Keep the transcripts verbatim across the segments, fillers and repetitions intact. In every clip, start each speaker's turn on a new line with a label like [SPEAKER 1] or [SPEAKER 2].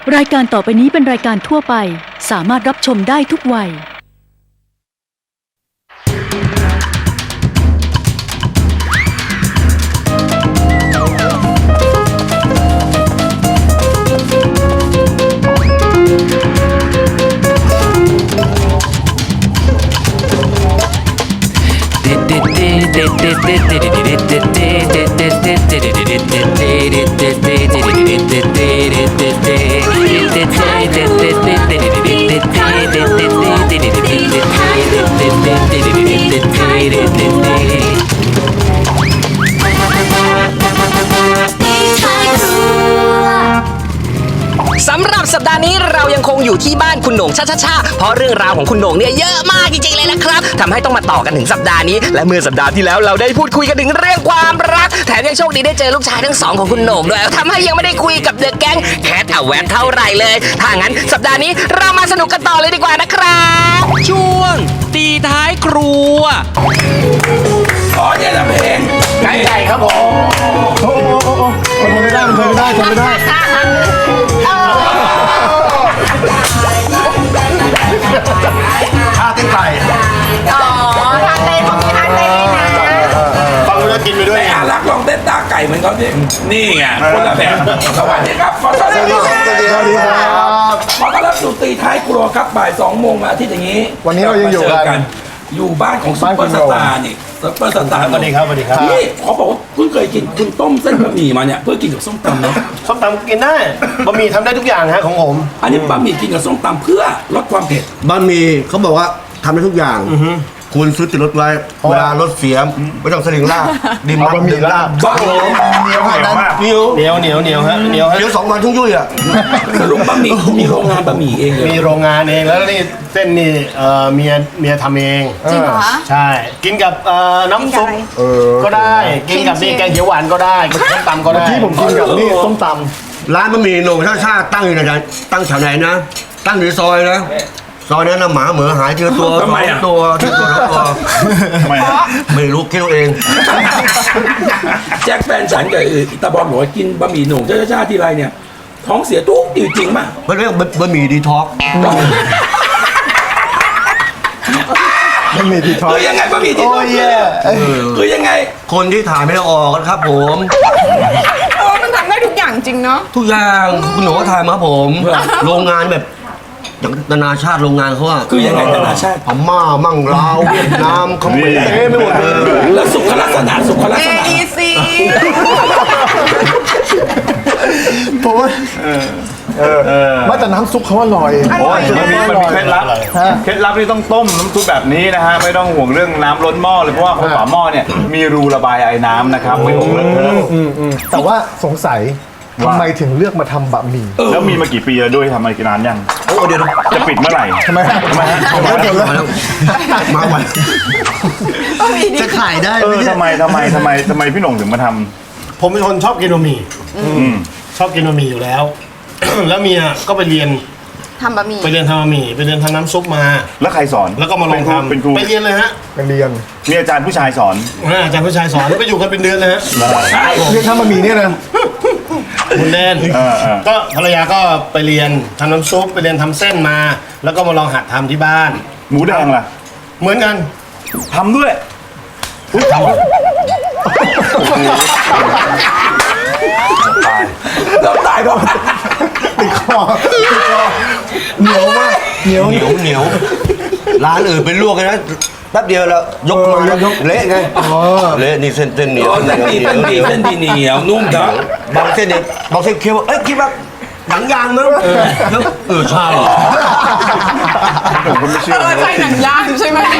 [SPEAKER 1] รายการต่อไปนี้เป็นรายการทั่วไปสามารถรับชมได้ทุกวัย
[SPEAKER 2] สำหรับสัปดาห์นี้เรายังคงอยู่ที่บ้านคุณโหน่งชาชาชาเพราะเรื่องราวของคุณโหน่งเนี่ยเยอะมากจริงๆเลยนะครับทำให้ต้องมาต่อกันถึงสัปดาห์นี้และเมื่อสัปดาห์ที่แล้วเราได้พูดคุยกันถึงเรื่องความรักแถมยังโชคดีได้เจอลูกชายทั้งสองของคุณโหน่งด้วยทำให้ยังไม่ได้คุยกับเดอะแก๊งแคทเอาแวนเท่าไหร่เลยถ้างั้นสัปดาห์นี้เรามาสนุกกันต่อเลยดีกว่านะครับช่วงตีท้ายครัว
[SPEAKER 3] อ๋อเนี่ยนะเพลงไก่ไก่ครับผม
[SPEAKER 4] โอ้โหโอ้โหทนไม่ได้ทนไม่ได้ทนไม่ได้ท่าเต้นไก่
[SPEAKER 5] อ๋อท่าเต้นของพี่ท่าเต้นนะ
[SPEAKER 4] ฟังแล้วกินไปด้วย
[SPEAKER 3] ไม่อารักลองเต้นตาไก่เหมือนเขาดินี่ไงคนละแบบสวัสดีครับขอต้อนรับสวัสดีครับขอต้อนรับสู่ตีท้ายครัวครับบ่ายสองโมงอาทิตย์อย่างนี้
[SPEAKER 4] วันนี้เรายังอยู่กัน
[SPEAKER 3] อยู่บ้านของซุปเปอร์สตาร์นี่ซุปเปอร์สตาร์
[SPEAKER 4] สวัสดีครับสวัสดีครับ
[SPEAKER 3] นี่เขาบอกว่าเพิ่งเคยกินคุณต้มเส้นบะหมี่มาเนี่ยเพื่อกินกับส้มตำเนาะ
[SPEAKER 4] ส้มตำกินได้บะหมี่ทำได้ทุกอย่างฮะของผม
[SPEAKER 3] อันนี้บะหมี่กินกับส้มตำเพื่อลดความเผ็ด
[SPEAKER 6] บะหมี่เขาบอกว่าทำได้ทุกอย่างคุณซื้อติดรถไว้เวลารถเสียไม่ต้องสลิงลากดิมมันดิมลาก
[SPEAKER 3] บ้าเหนียวเหนียว
[SPEAKER 4] เหนียวเหนียวเหนียวฮะเหนียวฮะ
[SPEAKER 6] เดี๋ยวสองวันทุ่งยุ่ยอ่ะ
[SPEAKER 3] สรุปบะหมี่มีโรงงานบะหมี่เอง
[SPEAKER 4] มีโรงงานเองแล้วนี่เส้นนี่เอ่อเมียเมียทำเอง
[SPEAKER 5] จริงเหรอ
[SPEAKER 4] ใช่กินกับเอ่อน้ำซุปก็ได้กินกับนี่แกงเขียวหวานก็ได้ส้มตำก็ได้ที่ผมกินกับนี่ส้มต
[SPEAKER 6] ำร้านบะหมี่โหน่งชาชาตั้งอยู่ไหนตั้งแถวไหนนะตั้งอยู่ซอยนะซอยนั้นนะหมาเหมือหายเจอตัวสองตัวที่ตัวแล้วตัวไม่รู้คิดเอาเอง
[SPEAKER 3] แจ็คแฟนฉันกับตาบอลบอกว่ากินบะหมี่โหน่งชาชาทีไรเนี่ยท้องเสียทุกจริงๆมั้ย
[SPEAKER 6] มันเรียกบะหมี่ดีท็อก
[SPEAKER 4] บะหมี่ดีท็อก
[SPEAKER 3] คือยังไงบะหมี่ดีท็อกคือยังไง
[SPEAKER 6] คนที่ถ่ายไม่ได้ออกครับผม
[SPEAKER 5] โอ้มันทำได้ทุกอย่างจริงเนาะ
[SPEAKER 6] ทุกอย่างคุณหนูก็ถ่ายมาผมโรงงานแบบอย่างนานาชาติโรงงานเขาอะ
[SPEAKER 3] คือยังไงนานาชาติ
[SPEAKER 6] พม่ามั่งลาวเวียดนามเขมรเต็มไปหมดเลย
[SPEAKER 3] แล้วสุขลักษณะสุขลักษณะ
[SPEAKER 5] เอ อี ซี
[SPEAKER 4] ผมว่ามาแต่น้ำซุปเขาอร่อย
[SPEAKER 7] โอ้ยมันมีมันมีเคล็ดลับเคล็ดลับที่ต้องต้มน้ำซุปแบบนี้นะฮะไม่ต้องห่วงเรื่องน้ำล้นหม้อเลยเพราะว่าฝาหม้อเนี่ยมีรูระบายไอ้น้ำนะครับไม่ต้องเลอะเทอะ
[SPEAKER 4] แต่ว่าสงสัยทำไมถึงเลือกมาทำบะหมี่
[SPEAKER 7] แล้วมีมากี่ปีแล้วด้วยทำมากี่นานยัง
[SPEAKER 6] โอ้เดี๋ยว
[SPEAKER 7] จะปิดเมื่อไหร่
[SPEAKER 4] ทำไมทำไมฮะมาแล้ว
[SPEAKER 6] มาวัน
[SPEAKER 4] จะขายได้
[SPEAKER 7] เออทำไมทำไมทำไมทำไมพี่หน่งถึงมาท
[SPEAKER 4] ำผมเป็นคนชอบกินบะหมี่ชอบกินบะหมี่อยู่แล้วแล้วเมียก็ไปเรียน
[SPEAKER 5] ทำบะหมี่
[SPEAKER 4] ไปเรียนทำบะหมี่ไปเรียนทำน้ำซุปมา
[SPEAKER 7] แล้วใครสอน
[SPEAKER 4] แล้วก็มาลองทำ
[SPEAKER 7] เป็นครู
[SPEAKER 4] ไปเรียนเลยฮะไปเรียน
[SPEAKER 7] มีอาจารย์ผู้ชายสอน
[SPEAKER 4] อาจารย์ผู้ชายสอนไปอยู่กันเป็นเดือนเลยฮะเรียนทำบะหมี่เนี่ยนะคุณแดนก็ภรรยาก็ไปเรียนทำน้ำซุปไปเรียนทำเส้นมาแล้วก็มาลองหัดทำที่บ้าน
[SPEAKER 7] หมูแดงล่ะ
[SPEAKER 4] เหมือนกัน
[SPEAKER 7] ทำด้วย
[SPEAKER 4] ทำ
[SPEAKER 3] ตายเราตายเพราะ
[SPEAKER 4] ติดคอเหนียวมากเหนียว
[SPEAKER 6] เหนียวเหนียวร้านอื่นเป็นลวกเลยนะแป๊บเดียวแล้วยกมาเละไงเละนี่เส้นเส้นเหนียว
[SPEAKER 3] เส้นดีเส้นดีเส้นดีเหนียวนุ่มนะ
[SPEAKER 6] บางเส้นเนี่ยบางเส้นเคี้ยวเอ้ยคิดว่าหนังยางมั้งเออใช่
[SPEAKER 7] ผมก็ไม่เชื่อ
[SPEAKER 5] เออใช่หนังยางใช่ไหม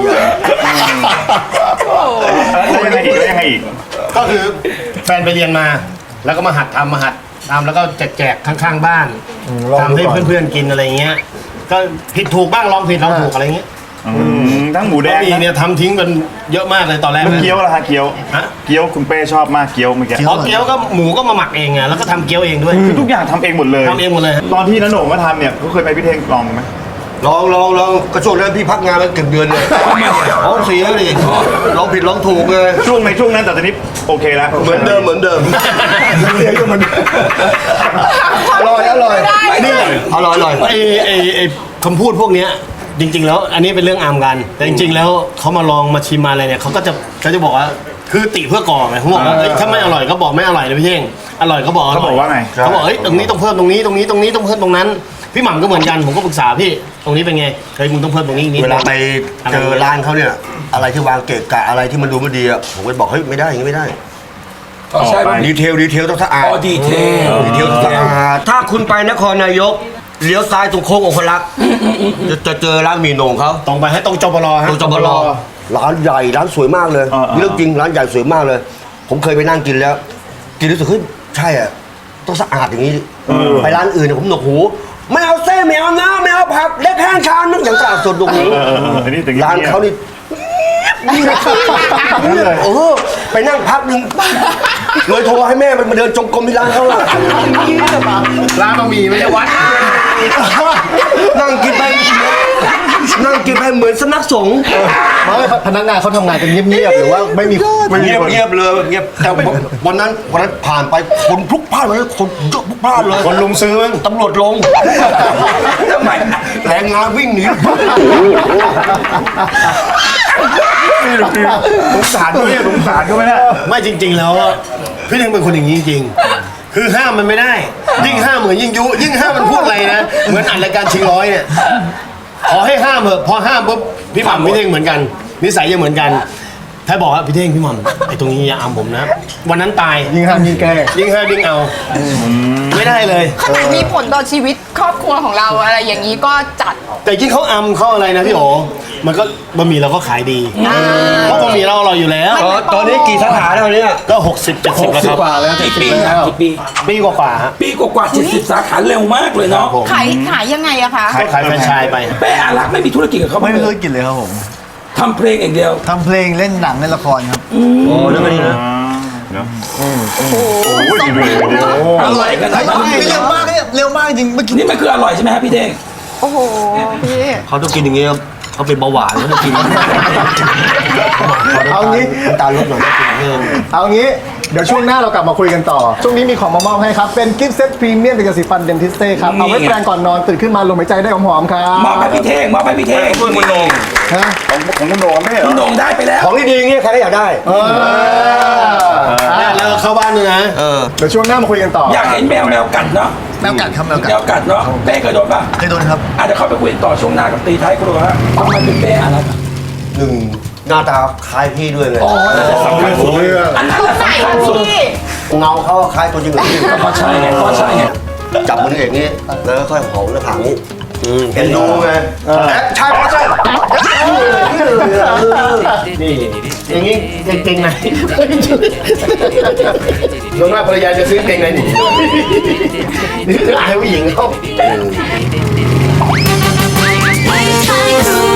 [SPEAKER 7] แล้วยังไงอีกแล้วยังไงอีก
[SPEAKER 4] ก็คือแฟนไปเรียนมาแล้วก็มาหัดทำมาหัดทำแล้วก็แจกข้างๆบ้านทำให้เพื่อนๆกินอะไรเงี้ยก็ผิดถูกบ้างลองผิดลองถูกอะไรเงี้ย
[SPEAKER 7] ทั้งหมูแดง
[SPEAKER 4] เนี่ยทำทิ้งกันเยอะมากเลยตอนแรก
[SPEAKER 7] เกี๊ยวละฮะเกี๊ยวเกี๊ยวคุณเป้ชอบมากเกี๊ยวเมื่อกี้
[SPEAKER 4] อ๋อเกี๊ยวก็หมูก็มาหมักเองไงแล้วก็ทำเกี๊ยวเองด้วย
[SPEAKER 7] คือทุกอย่างทำเองหมดเลย
[SPEAKER 4] ทำเองหมดเลย
[SPEAKER 7] ตอนที่น้าโหน่งมาทำเนี่ยเขาเคยไปพิเทงลองไหม
[SPEAKER 6] ลองลองลองกระช่วงนั้นพี่พักงานมาเกือบเดือนเลยร้องเสียดิร้องผิดร้องถูกเลย
[SPEAKER 7] ช่วงในช่วงนั้นแต่ตอนนี้โอเคแล้ว
[SPEAKER 6] เหมือนเดิมเหมือนเดิม
[SPEAKER 4] เสียงก็มันอร่อยอร่อยนี่
[SPEAKER 6] อร่อยอร่อย
[SPEAKER 4] ไอไอไอคำพูดพวกเนี้ยจริง ๆ แล้วอันนี้เป็นเรื่องอามกัน แต่จริง ๆ แล้วเขามาลองมาชิมมาอะไรเนี่ยเขาก็จะเขาจะบอกว่าคือติเพื่อก่อไงเขาบอกว่าเอ้ยถ้าไม่อร่อยก็บอกไม่อร่อยนะพี่เท่งอร่อยก็บอกอร่อย
[SPEAKER 7] เขาบอกว่าไง
[SPEAKER 4] เขาบอกเฮ้ยตรงนี้ต้องเพิ่มตรงนี้ตรงนี้ตรงนี้ต้องเพิ่มตรงนั้นพี่หม่ำก็เหมือนกันผมก็ปรึกษาพี่ตรงนี้เป็นไงเฮ้ยมึงต้องเพิ่มตรงนี้อีกนิด
[SPEAKER 6] เวลาไปเจอร้านเขาเนี่ย อะไรที่วางเกะกะอะไรที่มันดูไม่ดีอ่ะผมก็บอกเฮ้ยไม่ได้อย่างนี้ไม่ได้
[SPEAKER 3] อ๋อใช่ป่ะ
[SPEAKER 6] ดีเทลดีเทลต้องสะอาด
[SPEAKER 3] อ๋อดีเทล
[SPEAKER 6] ดีเทลต้องสะอาดถ้าคุณไปนครนายกเลี้ยวซ้ายตรงโค้งองคลักษ์จะจะเจอร้านหมีโหน่งเขา
[SPEAKER 4] ตรงไปให้ตรงจบลฮะ
[SPEAKER 6] ตรงจบลร้านใหญ่ร้านสวยมากเลยเรื่องจริงร้านใหญ่สวยมากเลย ผมเคยไปนั่งกินแล้ว กินรู้สึกเฮ้ยใช่อ่ะต้องสะอาดอย่างนี้ไปร้านอื่นเนี่ยผมหนวกหูไม่เอาเส้นไม่เอาน้ำไม่เอาผักเล็กแห้งชามนึกอย่างสะอาดสดตรงนี้
[SPEAKER 7] เออเอออันนี้ถึง
[SPEAKER 6] ร้านเขานี่เออไปนั่งพักหนึ่งเลยโทรให้แม่มันมาเดินจงกรมที่ร้านเขาอะ
[SPEAKER 4] ร้านบะหมี่ไม่ใช่วัด
[SPEAKER 6] นั่งกินไปนั่งกินไปเหมือนสำนักสงฆ์
[SPEAKER 4] พนักงานเขาทำงานกันเงียบๆหรือว่าไม่มีไม่มี
[SPEAKER 6] เงียบ
[SPEAKER 4] คน
[SPEAKER 6] เงียบเลยเงียบแต่วันนั้นวันนั้นผ่านไปคนพลุกพล่านเลยคนเยอะพลุกพล่านเลย
[SPEAKER 4] คนลุมซื้อมั้ง
[SPEAKER 6] ตำรวจลง
[SPEAKER 3] ทำไม
[SPEAKER 6] แรงงานวิ่งหนี
[SPEAKER 7] สงสารด้วยสงสารก็ไม่ได้
[SPEAKER 4] ไม่จริง ๆ แล้วอะพี่เท่งเป็นคนอย่างนี้จริงๆคือห้ามมันไม่ได้ ยิ่งห้ามเหมือนยิ่งยุยิ่งห้ามมันพูดอะไรนะเหมือนอัดรายการชิงร้อยเนี่ยขอให้ห้ามเถอะพอห้ามปุ๊บพี่หม่ำพี่เท่งเหมือนกันนิสัยจะเหมือนกันถ้าบอกว่าพี่เท่งพี่หม่ำไอ้ตรงนี้อย่าอามผมนะวันนั้นตายยิ่งห้ามยิ่งแก้ยิ่งห้ามยิ่งเอาไม่ได้เลย
[SPEAKER 5] ขนาดมีผลต่อชีวิตครอบครัวของเราอะไรอย่างนี้ก็จัด
[SPEAKER 4] แต่ยิ่งเขาอำเขาอะไรนะพี่โอมันก็บะหมี่เราก็ขายดีเพราะบะหมี่เราอร่อยอยู่แล้ว
[SPEAKER 6] ตอนตอนนี้กี่สาขาแล้วเนี่ย
[SPEAKER 4] ก็หกสิบเจ็ดสิบแล้วครับ
[SPEAKER 3] กี่ปีนะกี่ปี
[SPEAKER 4] ปีกว่าๆฮะ
[SPEAKER 3] ปีกว่าๆเจ็ดสิบสาขาเร็วมากเลยเนาะ
[SPEAKER 5] ขายขายยังไงอะคะ
[SPEAKER 4] ก็ขายแฟรนไชส์ไป
[SPEAKER 3] แป้อารักษ์ไม่มีธุรกิจกับเขา
[SPEAKER 8] ไม่
[SPEAKER 3] บ้าง
[SPEAKER 8] มี
[SPEAKER 3] เล
[SPEAKER 8] ธุร
[SPEAKER 3] ย
[SPEAKER 8] กิจเลยครับผม
[SPEAKER 3] ทำเพลงอย่างเดียว
[SPEAKER 8] ทำเพลงเล่นหนังเล่นละครครับ
[SPEAKER 6] โอ้นั่นก็ดีนะ
[SPEAKER 3] อร่อยขนาดนั้น
[SPEAKER 8] เร็วมากเนี่ยเร็วมากจริงเมื่อกี้
[SPEAKER 3] นี่มันคืออร่อยใช่ไหมครับพี่เด้ง
[SPEAKER 5] โอ้โหพี่
[SPEAKER 6] เขาต้องกินอย่างเงี้ยเขาเป็นเบาหวานเขาต้องกิน
[SPEAKER 8] เอางี้
[SPEAKER 6] น้ำตาลลดหน่อยต้องกินเพิ่ม
[SPEAKER 8] เอางี้เดี๋ยวช่วงหน้าเรากลับมาคุยกันต่อ ช่วงนี้มีของมามอบให้ครับ เป็นกิฟต์เซตพรีเมียมเป็นยาสีฟันเดนทิสเต้ครับ เอาไว้แปรงก่อนนอนตื่นขึ้นมาลมหายใจได้หอมๆครับ
[SPEAKER 3] มอบให้พี่เท่งมอบให้พี่เท่งคุณโหน่ง
[SPEAKER 8] ฮะ
[SPEAKER 7] ของของคุณโหน่งไม่เหร
[SPEAKER 3] คุ
[SPEAKER 7] อ
[SPEAKER 3] ณโหน่งได้ไปแล้ว
[SPEAKER 6] ของดีๆอย่างเงี้ยใครก็อยากได้
[SPEAKER 8] เออ
[SPEAKER 4] เนี่ยแล้วเข้าบ้านด้วยนะ
[SPEAKER 6] เออ
[SPEAKER 8] เดี๋ยวช่วงหน้ามาคุยกันต่อ
[SPEAKER 3] อยากเห็นแมวแมวกัดเนาะ
[SPEAKER 8] แมวกัดครับแมวกัด
[SPEAKER 3] แมวกัดเนาะเป้เคยโดนป่ะ
[SPEAKER 8] เคยโดนครับ
[SPEAKER 3] อาจจะเข้าไปคุยต่อช่วงหน้ากับตีท้ายครัวฮะทำไมเป็นเป้อารักษ์อะ
[SPEAKER 6] หนึ่งหน้าตาคล้ายพี่ด้วยเลย
[SPEAKER 3] อ๋อน่าจะสำคัญสุดอันนั้นแหละ
[SPEAKER 5] ใส่
[SPEAKER 3] สำคัญสุด
[SPEAKER 5] พี่
[SPEAKER 6] เงาเขาคล้ายตัวจริงเหรอพี่
[SPEAKER 3] ก็ใช่ไงก็ใช่ไง
[SPEAKER 6] จับมือเอกนี่แล้วก็ค่อยหอมหน้าผากนี่อืมเห็นดูไงแอคชั่นแอคชั่น
[SPEAKER 4] นี่อย่างนี้เก่งๆไหนส่วนมากภรรยาจะซื้อเก่งไหนหนีนี่คืออายผู้หญิงเขา
[SPEAKER 9] ไม่ใช่รู้